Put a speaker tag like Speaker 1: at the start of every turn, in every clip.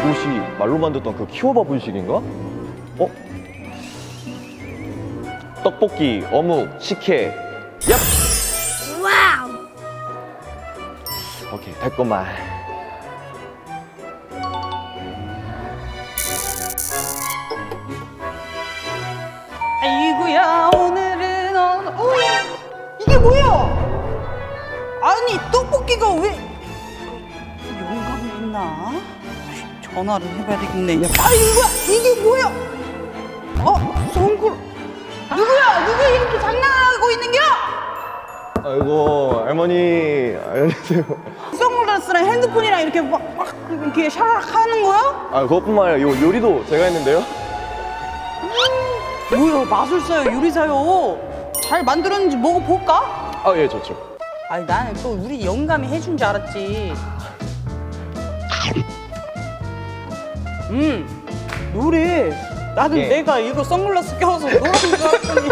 Speaker 1: 이곳이 말로만 듣던 그 키워봐 분식인가? 어? 떡볶이, 어묵, 식혜. 얍!
Speaker 2: 와우.
Speaker 1: 오케이, 됐구만.
Speaker 3: 아이고야 오늘은 이게 뭐야? 아니 떡볶이가 왜 영감이 있나? 전화를 해봐야 되겠네. 아이고야 이게 뭐야? 송글 누구야? 누가 이렇게 장난하고 있는겨?
Speaker 1: 아이고, 할머니. 안녕하세요.
Speaker 3: 선글라스랑 핸드폰이랑 이렇게 막 이렇게 샤락 하는 거야?
Speaker 1: 아, 그것뿐만 아니라 요 요리도 제가 했는데요.
Speaker 3: 뭐야 마술사요 요리사요? 잘 만들었는지 먹어볼까?
Speaker 1: 아, 예, 좋죠.
Speaker 3: 아니 나는 또 우리 영감이 해준 줄 알았지. 노래. 나는
Speaker 1: 예.
Speaker 3: 내가 이거 선글라스 껴서 노래인 줄 알았더니.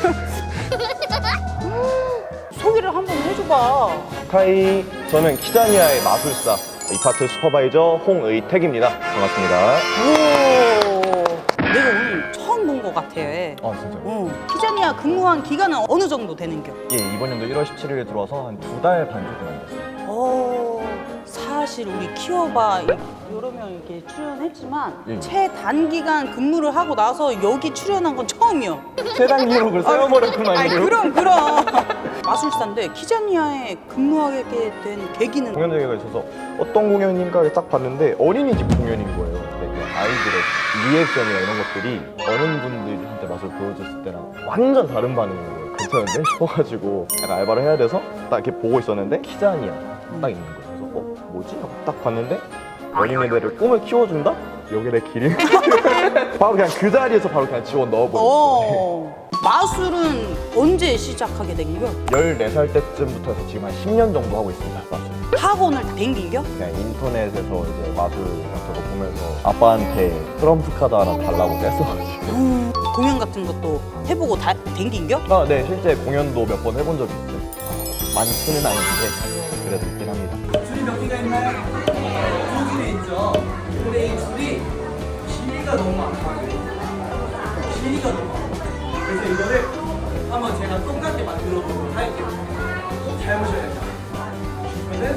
Speaker 3: 소개를 한번 해줘봐.
Speaker 1: 카이, 저는 키자니아의 마술사, 이 파트 슈퍼바이저 홍의택입니다. 반갑습니다.
Speaker 3: 오, 내가 오늘 처음 본 것 같아.
Speaker 1: 아, 진짜요?
Speaker 3: 키자니아 근무한 기간은 어느 정도 되는겨?
Speaker 1: 예, 이번 연도 1월 17일에 들어와서 한 2달 반 정도 남았어요.
Speaker 3: 사실 우리 키워봐 여러 명 이렇게 출연했지만
Speaker 1: 예.
Speaker 3: 최단기간 근무를 하고 나서 여기 출연한 건 처음이요.
Speaker 1: 최단 기록을 세워버렸구만요.
Speaker 3: 아니 그럼 마술사인데 키자니아에 근무하게 된 계기는
Speaker 1: 공연 대회가 있어서 어떤 공연인가 딱 봤는데 어린이집 공연인 거예요. 근데 그 아이들의 리액션이나 이런 것들이 어른분들한테 맛을 보여줬을 때랑 완전 다른 반응인 거예요. 괜찮은데? 싶어가지고 약간 알바를 해야 돼서 딱 이렇게 보고 있었는데 키자니아 딱 있는 거예요. 그래서 뭐지? 하고 딱 봤는데 어린애들을 꿈을 키워준다? 여기 내 길이? 바로 그냥 그 자리에서 바로 그냥 지원 넣어버렸어요.
Speaker 3: 마술은 언제 시작하게 된겨?
Speaker 1: 14살 때쯤부터 해서 지금 한 10년 정도 하고 있습니다. 마술.
Speaker 3: 학원을 다 댕긴겨?
Speaker 1: 그냥 인터넷에서 이제 마술 같은 거 보면서 아빠한테 트럼프 카드 하나 달라고 뗐어가지고.
Speaker 3: 공연 같은 것도 해보고 다 댕긴겨?
Speaker 1: 아, 네, 실제 공연도 몇 번 해본 적이 있어요. 많지는 않은데 그래도 있긴 합니다.
Speaker 4: 줄이 몇 개가 있나요? 두 줄이 있죠. 근데 이 줄이 길이가 너무 많아요. 길이가 너무 많아요. 그래서 이거를 한번 제가 똑같게 만들어 보도록 할게요. 잘 보셔야 돼요. 그러면은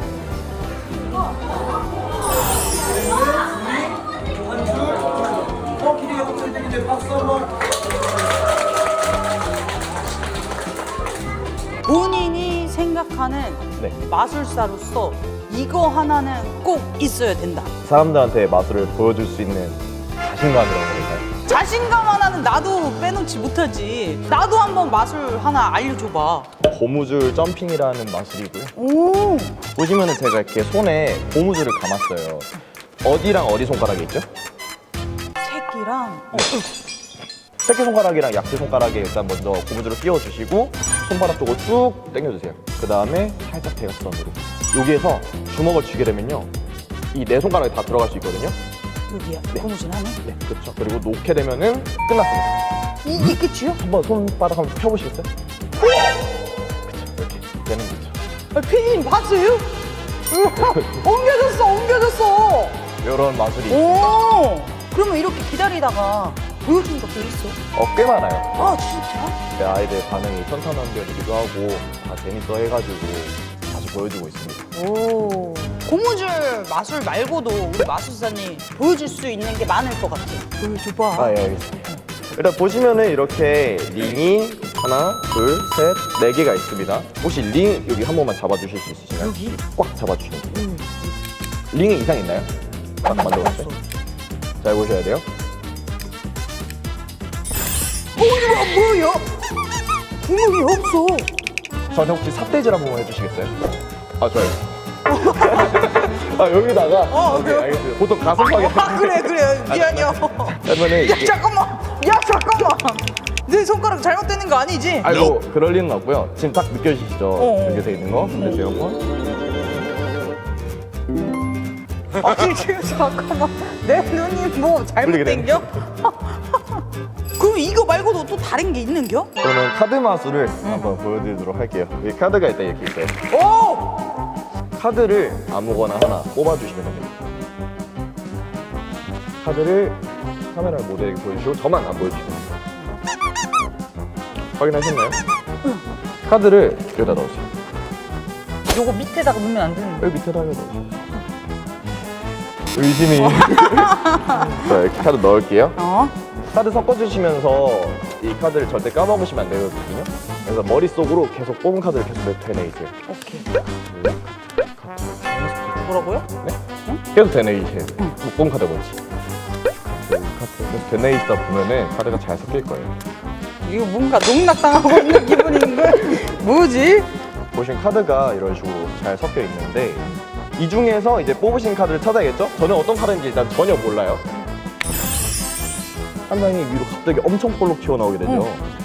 Speaker 4: 한 줄, 길이가 엄청 되는데 박수 한번.
Speaker 3: 본인이 생각하는
Speaker 1: 네.
Speaker 3: 마술사로서 이거 하나는 꼭 있어야 된다.
Speaker 1: 사람들한테 마술을 보여줄 수 있는 자신감이라고 해야 될까요?
Speaker 3: 자신감 하나는 나도 빼놓지 못하지. 나도 한번 마술 하나 알려줘봐.
Speaker 1: 고무줄 점핑이라는 마술이고요.
Speaker 3: 오.
Speaker 1: 보시면은 제가 이렇게 손에 고무줄을 감았어요. 어디랑 어디 손가락이 있죠?
Speaker 3: 새끼랑
Speaker 1: 새끼손가락이랑 약지손가락에 일단 먼저 고무줄을 끼워주시고 손바닥 쪽으로 쭉 당겨주세요. 그 다음에 살짝 대각선으로. 여기에서 주먹을 쥐게 되면요, 이 네 손가락이 다 들어갈 수 있거든요.
Speaker 3: 여기야.
Speaker 1: 네.
Speaker 3: 고무줄 하네.
Speaker 1: 네, 그렇죠. 그리고 놓게 되면은 끝났습니다.
Speaker 3: 이게 끝이요?
Speaker 1: 한번 손바닥 한번 펴보시겠어요? 그쵸, 이렇게 되는 거죠.
Speaker 3: 피디님 봤어요? 옮겨졌어.
Speaker 1: 이런 마술이
Speaker 3: 오. 그러면 이렇게 기다리다가 보여준 것도 있어?
Speaker 1: 꽤 많아요.
Speaker 3: 아 진짜?
Speaker 1: 내 아이들 반응이 천차만별이기도 하고 다 재밌어 해가지고 자주 보여주고 있습니다.
Speaker 3: 오. 고무줄 마술 말고도 우리 마술사님 보여줄 수 있는 게 많을 것 같아. 보여줘봐.
Speaker 1: 아, 예, 알겠습니다. 일단 보시면은 이렇게 링이 하나, 둘, 셋, 네 개가 있습니다. 혹시 링 여기 한 번만 잡아주실 수 있으신가요?
Speaker 3: 여기?
Speaker 1: 꽉 잡아주시면 돼요. 링에 이상 있나요? 딱 만들어봤어요. 잘 보셔야 돼요.
Speaker 3: 뭐야? 구멍이 없어.
Speaker 1: 저한테 혹시 삿대질 한 번만 해주시겠어요? 아, 좋아요. 아, 여기다가. 오케이,
Speaker 3: 그래요?
Speaker 1: 알겠습니다. 보통 가슴팍에.
Speaker 3: 그래. 미안해요.
Speaker 1: 그러면은
Speaker 3: 야
Speaker 1: 이게.
Speaker 3: 잠깐만. 내 손가락 잘못되는 거 아니지?
Speaker 1: 아이고, 그럴 리는 없고요. 지금 딱 느껴지시죠?
Speaker 3: 어.
Speaker 1: 여기 돼 있는 거. 보세요, 한번.
Speaker 3: 아니 지금 잠깐만. 내 눈이 뭐
Speaker 1: 풀리게
Speaker 3: 잘못된겨? 그럼 이거 말고도 또 다른 게 있는겨?
Speaker 1: 그러면 카드 마술을 한번 보여드리도록 할게요. 여기 카드가 일단 이렇게 있어요.
Speaker 3: 오!
Speaker 1: 카드를 아무거나 하나 뽑아주시면 됩니다. 카드를 카메라 모델에게 보여주시고 저만 안 보여주시면 돼요. 확인하셨나요? 카드를 여기다 넣으세요.
Speaker 3: 요거 밑에다가 넣으면 안 되는데.
Speaker 1: 여기 밑에다가 넣으세요. 의심이. 자, 이렇게 카드 넣을게요. 카드 섞어주시면서 이 카드를 절대 까먹으시면 안 되거든요. 그래서 머릿속으로 계속 뽑은 카드를 계속 되뇌이세요.
Speaker 3: 오케이. 뭐라고요?
Speaker 1: 계속 되뇌이세요. 못 뽑은 카드 뭔지. 카드 계속 되뇌이다 보면은 카드가 잘 섞일 거예요.
Speaker 3: 이거 뭔가 농락당하고 있는 기분인데? 뭐지?
Speaker 1: 보신 카드가 이런 식으로 잘 섞여 있는데 이 중에서 이제 뽑으신 카드를 찾아야겠죠? 저는 어떤 카드인지 일단 전혀 몰라요. 한 장이 위로 갑자기 엄청 볼록 튀어나오게 되죠.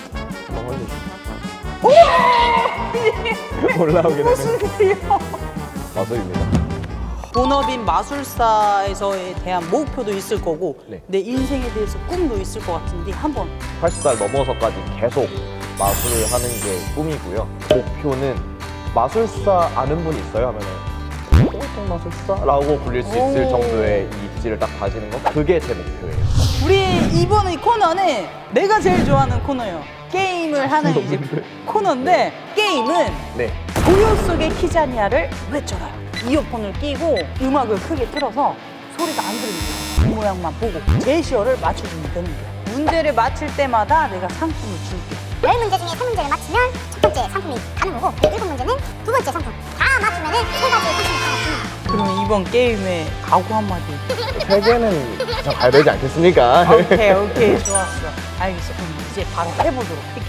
Speaker 1: 올라오게 되는
Speaker 3: 무슨 일이야?
Speaker 1: 마술입니다.
Speaker 3: 본업인 마술사에서에 대한 목표도 있을 거고
Speaker 1: 네.
Speaker 3: 내 인생에 대해서 꿈도 있을 것 같은데 한번
Speaker 1: 80살 넘어서까지 계속 마술을 하는 게 꿈이고요. 목표는 마술사 아는 분 있어요? 하면은 꼴통 마술사라고 불릴 수 있을
Speaker 3: 오.
Speaker 1: 정도의 이 입지를 딱 가지는 거 그게 제 목표예요.
Speaker 3: 우리 이번 이 코너는 내가 제일 좋아하는 코너예요. 게임을 하는 이제 코너인데 게임은
Speaker 1: 네.
Speaker 3: 고요 속의 키자니아를 외쳐라. 이어폰을 끼고 음악을 크게 틀어서 소리가 안 들리게 그 모양만 보고 제시어를 맞춰주면 되는 거야. 문제를 맞힐 때마다 내가 상품을 줄게.
Speaker 2: 10문제 중에 3문제를 맞히면 첫 번째 상품이 가는 거고 7문제는 두 번째 상품 다 맞추면 세 가지 상품이 다 맞춥니다.
Speaker 3: 그럼 이번 게임에 각오 한마디.
Speaker 1: 세 개는 다 가야 되지 않겠습니까?
Speaker 3: 오케이 좋았어. 알겠어. 그럼 이제 바로 해보도록 할게.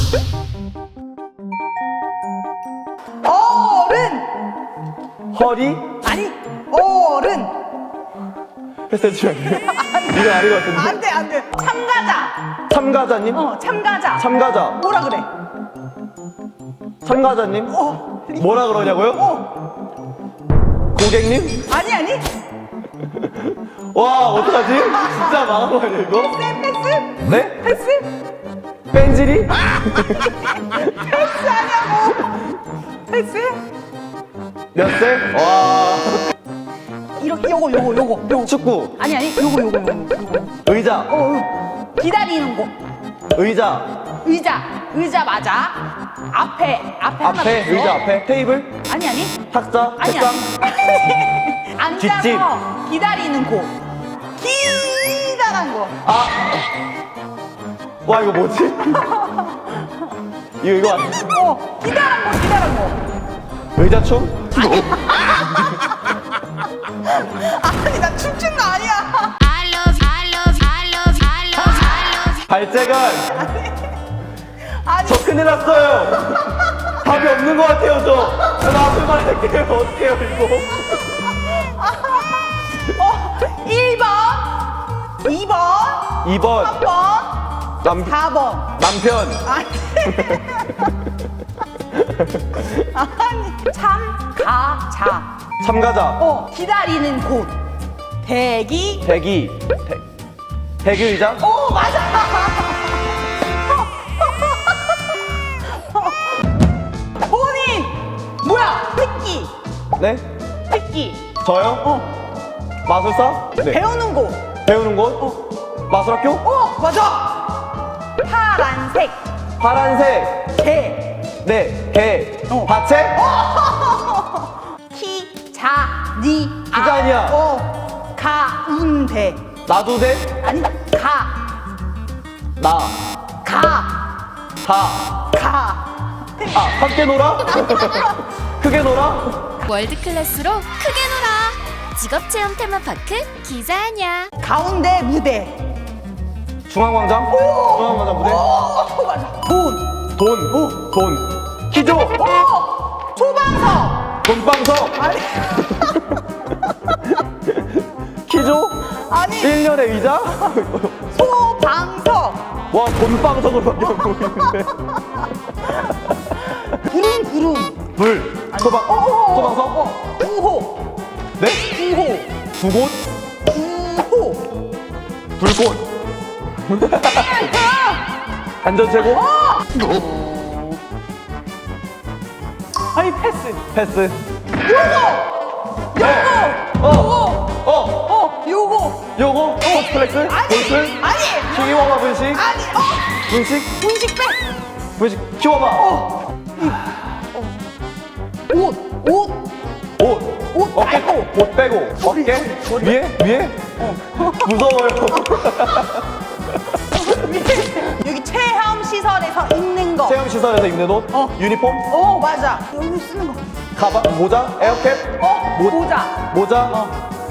Speaker 3: 어른!
Speaker 1: 허리?
Speaker 3: 아니 어른!
Speaker 1: 패스해주면 안 돼요? 이거 아닌 것 같은데?
Speaker 3: 안돼 참가자.
Speaker 1: 참가자님?
Speaker 3: 참가자.
Speaker 1: 참가자.
Speaker 3: 뭐라 그래?
Speaker 1: 참가자님? 뭐라 그러냐고요? 고객님?
Speaker 3: 아니
Speaker 1: 와 어떡하지? 진짜 망한 거 아니야 이거?
Speaker 3: 패스?
Speaker 1: 네?
Speaker 3: 패스?
Speaker 1: 뺀질이?
Speaker 3: 패스 하냐고. 패스?
Speaker 1: 몇 세? 와
Speaker 3: 이렇게 요거
Speaker 1: 축구
Speaker 3: 아니 요거
Speaker 1: 의자
Speaker 3: 기다리는 곳
Speaker 1: 의자
Speaker 3: 의자 맞아. 앞에 하나 더
Speaker 1: 앞에
Speaker 3: 있어.
Speaker 1: 의자 앞에 테이블
Speaker 3: 아니
Speaker 1: 탁자
Speaker 3: 아니
Speaker 1: 책상
Speaker 3: 앉아서
Speaker 1: 뒷집.
Speaker 3: 기다리는 곳 기다란 거.
Speaker 1: 와 이거 뭐지? 이거 아니야?
Speaker 3: 기다란 거
Speaker 1: 의자춤?
Speaker 3: 아니 나 춤춘 거 아니야.
Speaker 2: I love you, I love you, I love you, I love you, I love you.
Speaker 1: 발재간
Speaker 3: 아니
Speaker 1: 저 큰일 났어요 답이 없는 것 같아요 저 앞에만 할게요 어떡해요 이거
Speaker 3: 1번 2번
Speaker 1: 2번
Speaker 3: 3번 4번
Speaker 1: 남편
Speaker 3: 아니 참가자
Speaker 1: 참가자
Speaker 3: 기다리는 곳 대기
Speaker 1: 대기 의자
Speaker 3: 맞아. 본인 뭐야 획기
Speaker 1: 네? 저요? 마술사? 네.
Speaker 3: 배우는 곳
Speaker 1: 배우는 곳? 마술학교?
Speaker 3: 맞아.
Speaker 1: 파란색
Speaker 3: 개
Speaker 1: 개 밭에?
Speaker 3: 키자니아 가운데
Speaker 1: 나두대?
Speaker 3: 아니
Speaker 1: 나 함께 놀아? 크게 놀아?
Speaker 5: 월드클래스로 크게 놀아. 직업체험 테마파크 기자냐.
Speaker 3: 가운데 무대
Speaker 1: 중앙광장? 중앙광장 무대?
Speaker 3: 맞아.
Speaker 1: 돈 키조
Speaker 3: 소방서
Speaker 1: 돈방석
Speaker 3: 아니
Speaker 1: 키조
Speaker 3: 아니
Speaker 1: 1년의 의자?
Speaker 3: 소방서
Speaker 1: 와 돈방석으로밖에 안 보이는데
Speaker 3: 구름
Speaker 1: 불 소방석?
Speaker 3: 구호
Speaker 1: 네? 두곳?
Speaker 3: 구호
Speaker 1: 불꽃 안전최고?
Speaker 3: 아니 패스
Speaker 1: 패스
Speaker 3: 요거
Speaker 1: 스포츠플렉스? 골프?
Speaker 3: 아니
Speaker 1: 키워봐 분식?
Speaker 3: 아니
Speaker 1: 분식?
Speaker 3: 분식 빼
Speaker 1: 분식 키워봐
Speaker 3: 옷
Speaker 1: 옷 어깨
Speaker 3: 빼고.
Speaker 1: 옷 빼고 어깨 위에 무서워요
Speaker 3: 여기 체험 시설에서 입는 거.
Speaker 1: 체험 시설에서 입는 옷 유니폼
Speaker 3: 맞아. 여기 쓰는 거.
Speaker 1: 가방 모자 에어캡
Speaker 3: 모자.
Speaker 1: 모자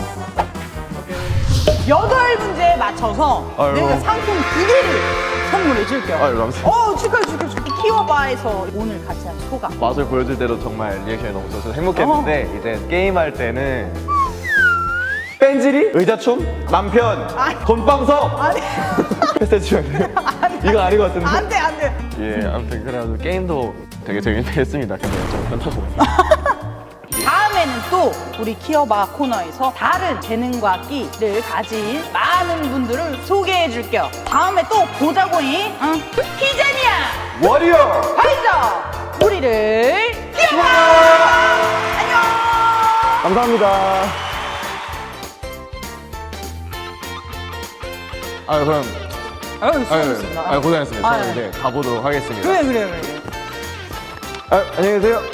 Speaker 3: 8문제에 맞춰서
Speaker 1: 아유.
Speaker 3: 내가 상품 2개를 선물해 줄게요.
Speaker 1: 아유, 감사합니다.
Speaker 3: 축하해. 키워봐에서 오늘 같이 한 소감.
Speaker 1: 맛을 보여줄 때도 정말 리액션이 너무 좋아서 행복했는데 이제 게임할 때는 뺀질이 의자춤 남편
Speaker 3: 아니.
Speaker 1: 건빵석
Speaker 3: 아니,
Speaker 1: 패스해주면 돼요? 이거 아닌 것 같은데
Speaker 3: 안 돼.
Speaker 1: 예 아무튼 그래가지고 게임도 되게 재밌했습니다 근데 좀 끝나고
Speaker 3: 다음에는 또 우리 키워봐 코너에서 다른 재능과 끼를 가진 많은 분들을 소개해 줄게요. 다음에 또 보자고잉. 키자니야
Speaker 1: 워리어
Speaker 3: 파이저 우리를 키워봐. 안녕.
Speaker 1: 감사합니다 그럼
Speaker 3: 수고하셨습니다.
Speaker 1: 고생했습니다
Speaker 3: 아유.
Speaker 1: 저는 이제 가보도록 하겠습니다
Speaker 3: 그래.
Speaker 1: 안녕히 계세요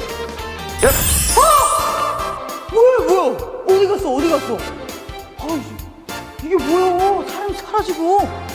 Speaker 3: 뭐야? 어디 갔어? 이게 뭐야? 사람이 사라지고.